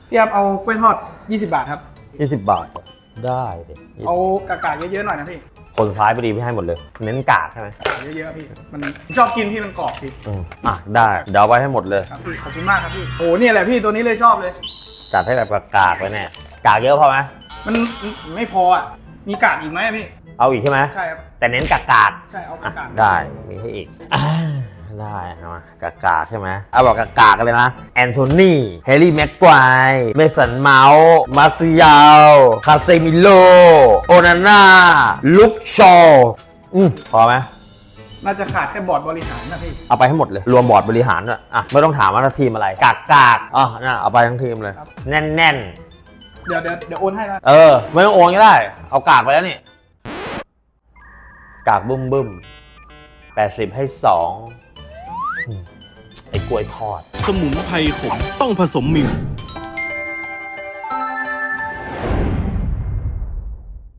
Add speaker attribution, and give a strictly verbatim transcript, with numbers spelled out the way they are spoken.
Speaker 1: พี่ครับเอากล้วยทอดยี่สิบบาทครับ
Speaker 2: ยี่สิบบาทได้ดิ
Speaker 1: เอากากๆเยอะๆหน่อยนะพี่
Speaker 2: คนซ้ายไปดีพี่ให้หมดเลย เน้นกากใช่ไหม
Speaker 1: กากเยอะๆพี่มันชอบกินพี่มันกรอบพี่
Speaker 2: อืมอ่ะได้เดี๋ยวเอาไปให้หมดเลย
Speaker 1: ครับพี่ขอบคุณมากครับพี่โอ้เนี่ยแหละพี่ตัวนี้เลยชอบเลย
Speaker 2: จัดให้แบบกากๆไปแน่กากเยอะพอไหม
Speaker 1: มันไม่พออ่ะมีกากอีกไหมพี่
Speaker 2: เอาอีกใช่ไหม
Speaker 1: ใช่ครับ
Speaker 2: แต่เน้นกาก
Speaker 1: ใช่เอา
Speaker 2: ๆอ่ะ
Speaker 1: กากๆ
Speaker 2: ได้มีให้อีกอ่าได้เอามากากๆใช่ไหมเอาบอกกากๆกันเลยนะแอนโทนีแฮร์รี่แม็กไกวร์เมสันเมาส์มาซิยาลคาเซมิโลโอนาน่าลุคชอว์อืมพอไหม
Speaker 1: น่าจะขาดแค่บอร์ดบริหารนะพี่
Speaker 2: เอาไปให้หมดเลยรวมบอร์ดบริหารด้วยอ่ะไม่ต้องถามว่าทีมอะไรกากกากอ๋อน่ะเอาไปทั้งทีมเลย แน่นแน่น
Speaker 1: เดี๋ยวเดี๋ยวเดี๋ยวโอนให้นะ
Speaker 2: เออไม่ต้องโอนก็ได้เอากากไปแล้วนี่กากบึ้มบึ้มแปดสิบให้สองอืมไอ้กล้วยทอด
Speaker 3: สมุนไพรขมต้องผสมมิว